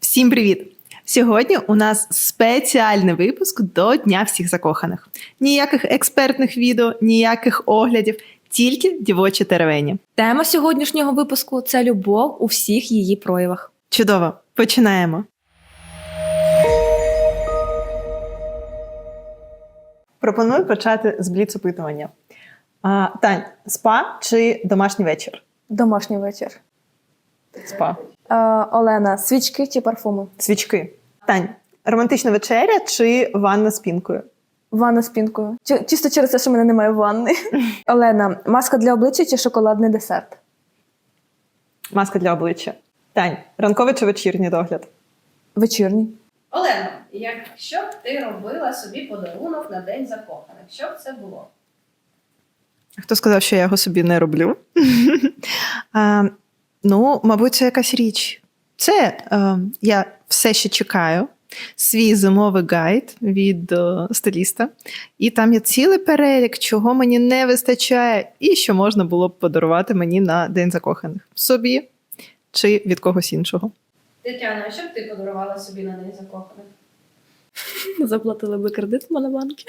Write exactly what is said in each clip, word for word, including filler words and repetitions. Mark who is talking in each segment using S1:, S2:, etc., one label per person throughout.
S1: Всім привіт! Сьогодні у нас спеціальний випуск до Дня всіх закоханих. Ніяких експертних відео, ніяких оглядів, тільки дівочі теревені.
S2: Тема сьогоднішнього випуску – це любов у всіх її проявах.
S1: Чудово! Починаємо! Пропоную почати з бліц-опитування. А, Тань, спа чи домашній вечір?
S3: Домашній вечір.
S1: Спа.
S3: Е, Олена, свічки чи парфуми?
S1: Свічки. Тань, романтична вечеря чи ванна з пінкою?
S3: Ванна з пінкою. Чи- Чисто через те, що в мене немає ванни. Олена, маска для обличчя чи шоколадний десерт?
S1: Маска для обличчя. Тань, ранковий чи вечірній догляд?
S3: Вечірній.
S4: Олено, якщо б ти робила собі подарунок на День закоханих, що б це було?
S1: Хто сказав, що я його собі не роблю? а, ну, мабуть, це якась річ. Це е, я все ще чекаю. Свій зимовий гайд від е, стиліста. І там є цілий перелік, чого мені не вистачає, і що можна було б подарувати мені на День закоханих. Собі чи від когось іншого.
S4: Тетяна, а що б ти подарувала собі на День закоханих?
S2: Заплатили би кредит в Монобанкі.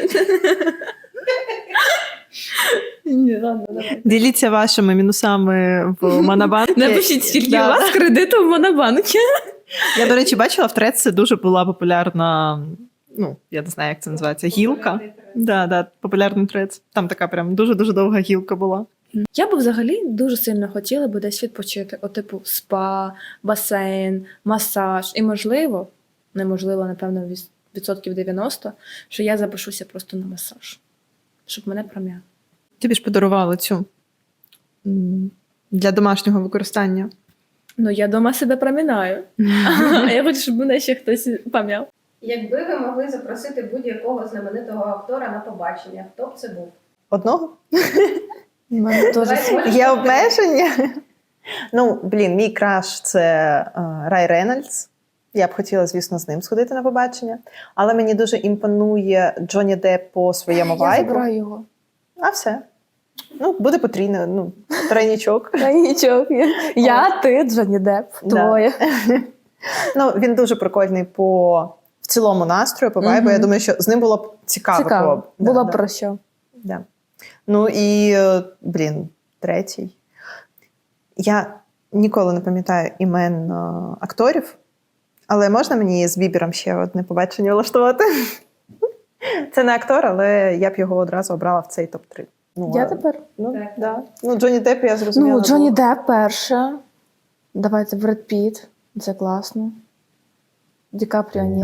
S2: Ні, ладно, давай.
S1: Діліться вашими мінусами в Монобанку.
S2: Напишіть, скільки
S1: Да.
S2: у вас кредиту в Монобанкі.
S1: Я, до речі, бачила в Threads, це дуже була популярна, ну, я не знаю, як це називається, гілка. Да, да, популярний Threads. Там така прям дуже-дуже довга гілка була.
S2: Я б взагалі дуже сильно хотіла би десь відпочити. От, типу, спа, басейн, масаж. І можливо, неможливо, напевно, віс- відсотків дев'яносто, що я запишуся просто на масаж. Щоб мене пром'яли.
S1: Тобі ж подарували цю м, для домашнього використання.
S2: Ну, я дома себе промінаю. А я хочу, щоб мене ще хтось пам'яв.
S4: Якби ви могли запросити будь-якого знаменитого актора на побачення, хто б це був?
S1: Одного?
S3: У мене теж
S4: Давай,
S3: свічки.
S4: можеш
S1: Є
S4: обрати.
S1: обмеження? Ну, блін, мій краш – це е, Рай Рейнольдс. Я б хотіла, звісно, з ним сходити на побачення. Але мені дуже імпонує Джонні Депп по своєму
S3: Я
S1: вайбу.
S3: забираю його.
S1: А все. Ну, буде потрійно, ну, тройнічок.
S3: Та нічого. Я, ти, Джонні Депп.
S1: Да.
S3: Двоє.
S1: Ну, він дуже прикольний по в цілому настрою, по вайбу.
S3: Мгм.
S1: Я думаю, що з ним було б цікаво.
S3: Цікаво.
S1: Да,
S3: Було
S1: да,
S3: б про що.
S1: да. Ну і, е, блін, третій. Я ніколи не пам'ятаю імен е, акторів, але можна мені з Бібером ще одне побачення влаштувати? Це не актор, але я б його одразу обрала в цей топ три. Ну,
S3: Я
S1: а,
S3: тепер?
S1: Ну,
S4: Так.
S1: да. Ну, Джонні Депп, я зрозуміла.
S3: Ну, Джонні
S1: був.
S3: Депп перше. Давайте Бред Піт. Це класно. Ді Капріо ні.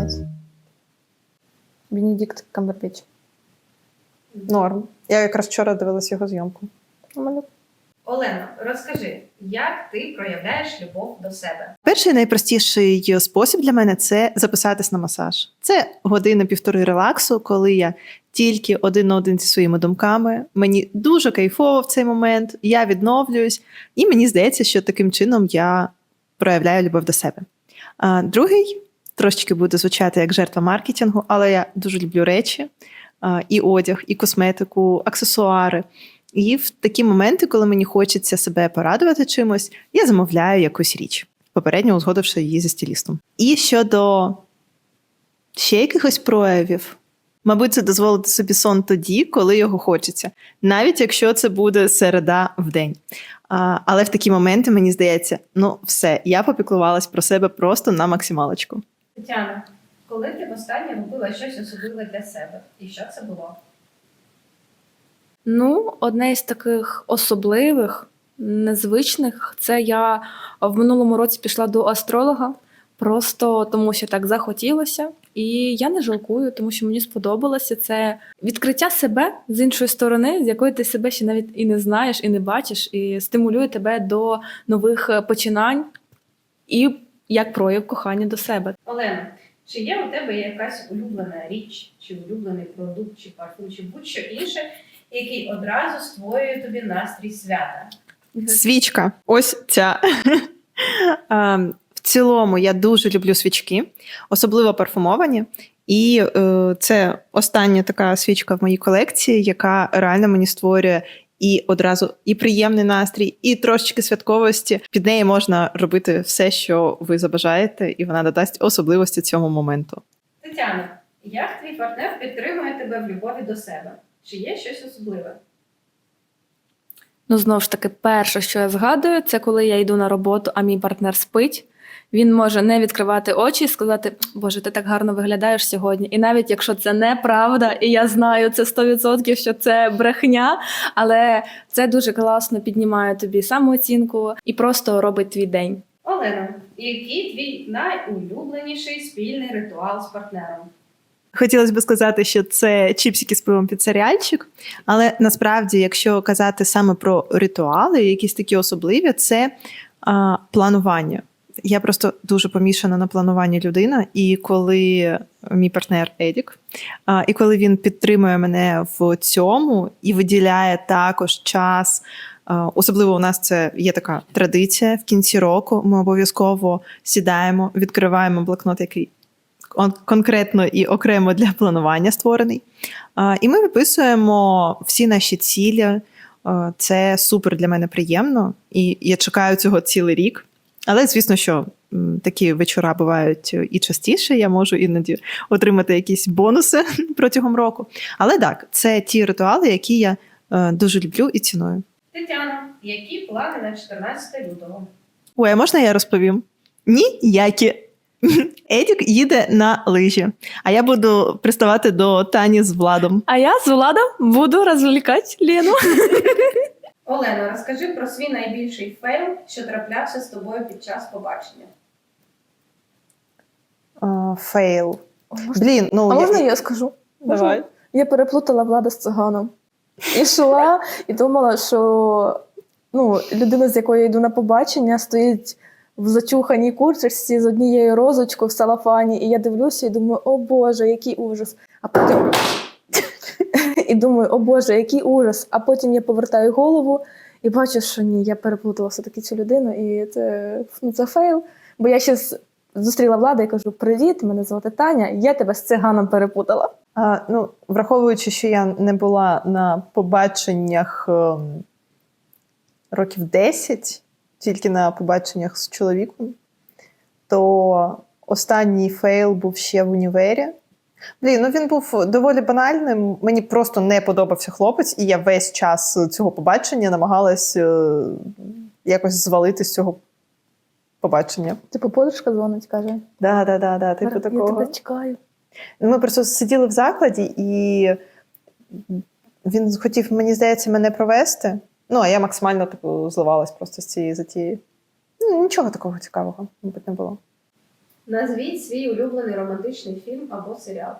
S3: Бенедикт Камбербетч.
S1: Норм. Я якраз вчора дивилася його зйомку.
S3: У мене
S4: Олено, розкажи, як ти проявляєш любов до себе?
S1: Перший найпростіший спосіб для мене – це записатись на масаж. Це години-півтори релаксу, коли я тільки один на один зі своїми думками. Мені дуже кайфово в цей момент, я відновлююсь, і мені здається, що таким чином я проявляю любов до себе. А другий трошечки буде звучати як жертва маркетингу, але я дуже люблю речі, а, і одяг, і косметику, аксесуари. І в такі моменти, коли мені хочеться себе порадувати чимось, я замовляю якусь річ, попередньо узгодивши її зі стилістом. І щодо ще якихось проявів, мабуть, це дозволити собі сон тоді, коли його хочеться, навіть якщо це буде середа в день. А, але в такі моменти мені здається, ну все, я попіклувалась про себе просто на максималочку.
S4: Тетяна, коли ти востаннє робила щось особливе для себе? І що це було?
S2: Ну, одне із таких особливих, незвичних, це я в минулому році пішла до астролога, просто тому що так захотілося. І я не жалкую, тому що мені сподобалося. Це відкриття себе з іншої сторони, з якої ти себе ще навіть і не знаєш, і не бачиш, і стимулює тебе до нових починань і як прояв кохання до себе.
S4: Олено, чи є у тебе якась улюблена річ, чи улюблений продукт, чи парфум, чи будь-що інше, який одразу створює тобі настрій свята?
S1: Свічка. Ось ця. А, В цілому я дуже люблю свічки, особливо парфумовані. І е, це остання така свічка в моїй колекції, яка реально мені створює і одразу і приємний настрій, і трошечки святковості. Під неї можна робити все, що ви забажаєте, і вона додасть особливості цьому моменту.
S4: Тетяна, як твій партнер підтримує тебе в любові до себе? Чи є щось особливе?
S2: Ну, знову ж таки, перше, що я згадую, це коли я йду на роботу, а мій партнер спить. Він може не відкривати очі і сказати: Боже, ти так гарно виглядаєш сьогодні. І навіть якщо це неправда, і я знаю це сто відсотків, що це брехня, але це дуже класно піднімає тобі самооцінку і просто робить твій день.
S4: Олена, який твій найулюбленіший спільний ритуал з партнером?
S1: Хотілося б сказати, що це чіпсики з пивом під серіальчик, але насправді, якщо казати саме про ритуали, якісь такі особливі, це а, планування. Я просто дуже помішана на плануванні людина, і коли мій партнер Едік, а, і коли він підтримує мене в цьому і виділяє також час, а, особливо у нас це є така традиція в кінці року, ми обов'язково сідаємо, відкриваємо блокнот, який кон- конкретно і окремо для планування створений, а, і ми виписуємо всі наші цілі. А, це супер для мене приємно, і я чекаю цього цілий рік. Але, звісно, що м, такі вечора бувають і частіше, я можу іноді отримати якісь бонуси протягом року. Але так, це ті ритуали, які я е, дуже люблю і ціную.
S4: Тетяна, які плани на чотирнадцяте лютого?
S1: Ой, а можна я розповім? Ніякі. Едік їде на лижі, а я буду приставати до Тані з Владом.
S2: А я з Владом буду розвлікати Лену.
S4: Олена, розкажи про свій найбільший фейл, що траплявся з тобою під час побачення.
S1: А, Фейл.
S3: Можна-
S1: Блін, ну
S3: А
S1: я-
S3: можна я скажу? Можна?
S1: Давай.
S3: Я переплутала Влада з циганом. І йшла, і думала, що ну, людина, з якою я йду на побачення, стоїть в зачуханій курточці з однією розочкою в салафані. І я дивлюся і думаю, о Боже, який ужас. А потім і думаю, о Боже, який ужас. А потім я повертаю голову і бачу, що ні, я переплутала все-таки цю людину, і це, ну, це фейл. Бо я ще з- зустріла Влада і кажу: привіт, мене звати Таня, я тебе з циганом перепутала.
S1: А, ну, враховуючи, що я не була на побаченнях ем, років десять, тільки на побаченнях з чоловіком, то останній фейл був ще в універі. Блін, ну він був доволі банальним. Мені просто не подобався хлопець, і я весь час цього побачення намагалась е, якось звалити з цього побачення.
S3: Типу, подружка дзвонить, каже:
S1: Да, да, да, да, типу
S3: я
S1: такого.
S3: тебе чекаю.
S1: Ми просто сиділи в закладі, і він хотів, мені здається, мене провести. Ну, а я максимально типу, зливалась просто з цієї затії. Ну, нічого такого цікавого, мабуть, не було.
S4: Назвіть свій улюблений романтичний фільм або серіал.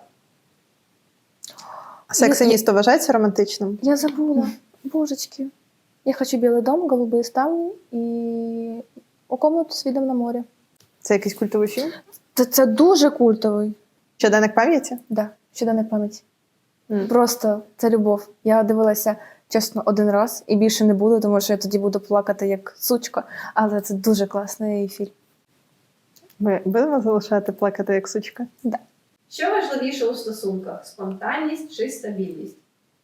S1: Сексиністо вважається романтичним?
S3: Я забула. Божечки. Я хочу білий дом, голубі ставні і у комнату з видом на море.
S1: Це якийсь культовий фільм?
S3: Це, це дуже культовий.
S1: Щоденник пам'яті?
S3: Да, щоденна пам'ять.
S1: М.
S3: Просто це любов. Я дивилася, чесно, один раз і більше не буду, тому що я тоді буду плакати як сучка. Але це дуже класний фільм.
S1: Ми будемо залишати плакати як сучка?
S3: Да.
S4: Що важливіше у стосунках? Спонтанність чи стабільність?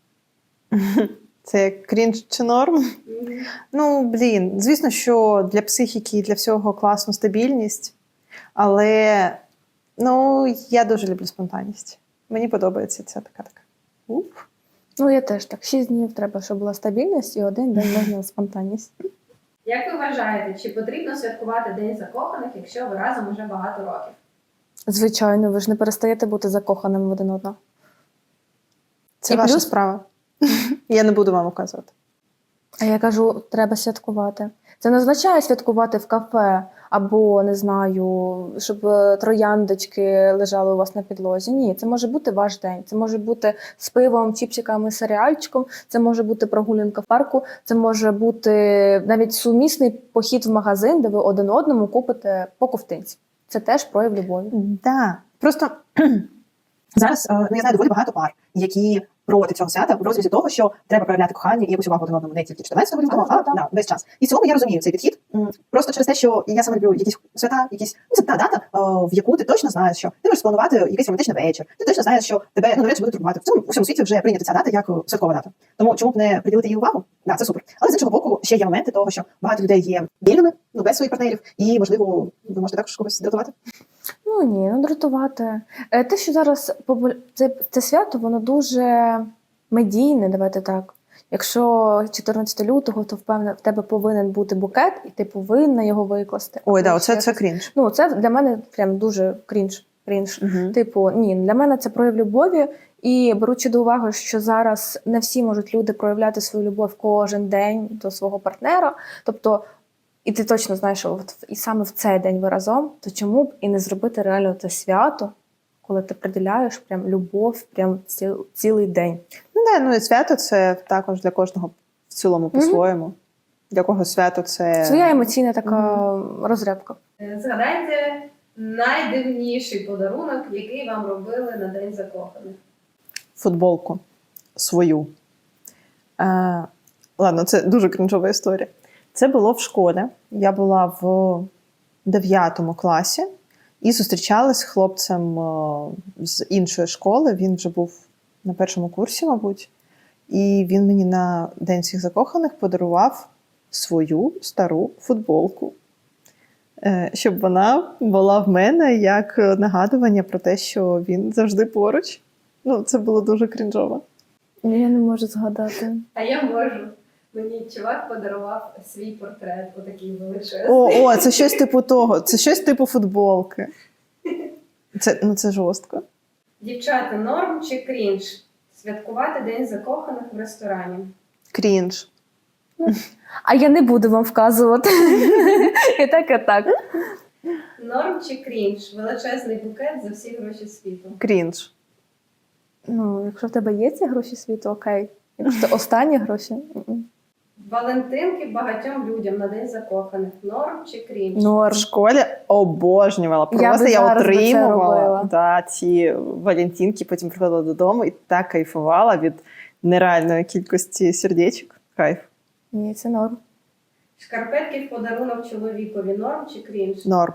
S1: Це як крінж чи норм?
S4: Мгм.
S1: Ну, блін, звісно, що для психіки і для всього класна стабільність, але ну, я дуже люблю спонтанність. Мені подобається ця така така. Уп.
S3: Ну, я теж так. Шість днів треба, щоб була стабільність, і один день можна спонтанність.
S4: Як ви вважаєте, чи потрібно святкувати День закоханих, якщо ви разом уже багато років?
S3: Звичайно, ви ж не перестаєте бути закоханим в один одного.
S1: Це
S3: І
S1: ваша
S3: плюс-
S1: справа. Я не буду вам указувати.
S3: А я кажу, треба святкувати. Це не означає святкувати в кафе або, не знаю, щоб е, трояндочки лежали у вас на підлозі. Ні, це може бути ваш день. Це може бути з пивом, чіпсиками, серіальчиком, це може бути прогулянка в парку, це може бути навіть сумісний похід в магазин, де ви один одному купите по ковтинці. Це теж прояв любові.
S1: Да. Просто зараз е, ну, я знаю доволі багато пар, які проти цього свята в розрізі того, що треба проявляти кохання і якусь увагу один одному не тільки чотирнадцятого лютого, а да, весь час. І в цілому я розумію цей підхід. М, Просто через те, що я саме люблю якісь свята, якісь ну, це та дата, о, в яку ти точно знаєш, що ти можеш спланувати якийсь романтичний вечір. Ти точно знаєш, що тебе ну, навряд чи буде турбувати. В цьому у всьому світі вже прийнята ця дата як святкова дата. Тому чому б не приділити їй увагу? Да, це супер. Але з іншого боку, ще є моменти того, що багато людей є вільними, ну без своїх партнерів, і можливо, ви можете також когось дратувати.
S3: Ну ні, ну дратувати. Е, Те, що зараз попу- це, це свято, воно дуже медійне, давайте так. Якщо чотирнадцятого лютого, то впевнено, в тебе повинен бути букет, і ти повинна його викласти.
S1: Ой, да,
S3: Або
S1: оце
S3: ще
S1: це
S3: щось.
S1: крінж.
S3: Ну, це для мене прям дуже крінж. крінж.
S1: Угу.
S3: Типу, ні, для мене це прояв любові. І беручи до уваги, що зараз не всі можуть люди проявляти свою любов кожен день до свого партнера. Тобто, і ти точно знаєш, що от і саме в цей день ви разом, то чому б і не зробити реально це свято, коли ти приділяєш прям любов прям ціл, цілий день.
S1: Ну, да, ну і свято це також для кожного в цілому по-своєму. Для кого свято це
S3: Своя емоційна така розрядка.
S4: Е, Згадайте найдивніший подарунок, який вам робили на День закоханих.
S1: футболку свою. Е, ладно, це дуже крінжова історія. Це було в школі. Я була в дев'ятому класі і зустрічалась з хлопцем е, з іншої школи. Він вже був на першому курсі, мабуть. І він мені на День всіх закоханих подарував свою стару футболку. Е, щоб вона була в мене як нагадування про те, що він завжди поруч. Ну, це було дуже крінжово.
S3: Я не можу згадати.
S4: А я можу. Мені чувак подарував свій портрет, отакий величезний.
S1: О, о, це щось типу того. Це щось типу футболки. Це, ну, це жорстко.
S4: Дівчата, норм чи крінж? Святкувати День закоханих в ресторані.
S1: Крінж.
S3: А я не буду вам вказувати. І так, і так.
S4: Норм чи крінж? Величезний букет за всі гроші світу.
S1: Крінж.
S3: Ну, якщо в тебе є ці гроші світу, окей. Якщо це останні гроші, м-м.
S4: Валентинки багатьом людям на День закоханих. Норм чи крінж?
S1: В
S3: норм.
S1: школі обожнювала.
S3: Я
S1: Просто
S3: би
S1: я,
S3: зараз би це
S1: отримувала
S3: робила.
S1: да, ці валентинки, потім приходила додому і так кайфувала від нереальної кількості сердечок. Кайф.
S3: Ні, це норм.
S4: Шкарпетки в подарунок чоловікові. Норм чи крінж?
S1: Норм.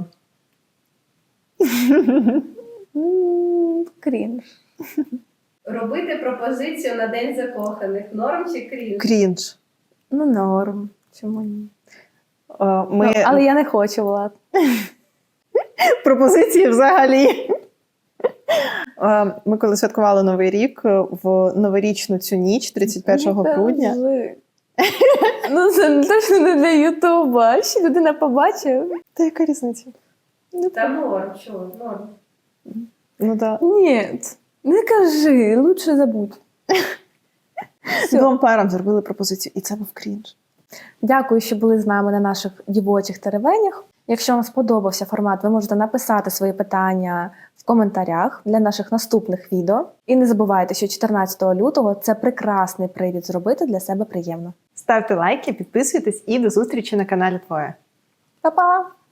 S3: М, Крінж.
S4: Робити пропозицію на День закоханих. Норм чи крінж?
S1: Крінж.
S3: Ну, норм. Чому ні?
S1: Е, Ми...
S3: Ну, але я не хочу, Влад.
S1: Пропозиції взагалі. Е, Ми коли святкували Новий рік, е, в новорічну цю ніч, тридцять першого
S3: Не
S1: грудня.
S3: кажи. Ну, це точно не для Ютуба. Ще людина побачить.
S1: Та яка різниця?
S4: Та норм, чого? Норм.
S1: Ну так.
S3: Ні, не кажи, лучше забудь. Всьо.
S1: Двом парам зробили пропозицію, і це був крінж.
S3: Дякую, що були з нами на наших дівочих теревенях. Якщо вам сподобався формат, ви можете написати свої питання в коментарях для наших наступних відео. І не забувайте, що чотирнадцятого лютого – це прекрасний привід зробити для себе приємно.
S1: Ставте лайки, підписуйтесь і до зустрічі на каналі Твоє.
S3: Па-па!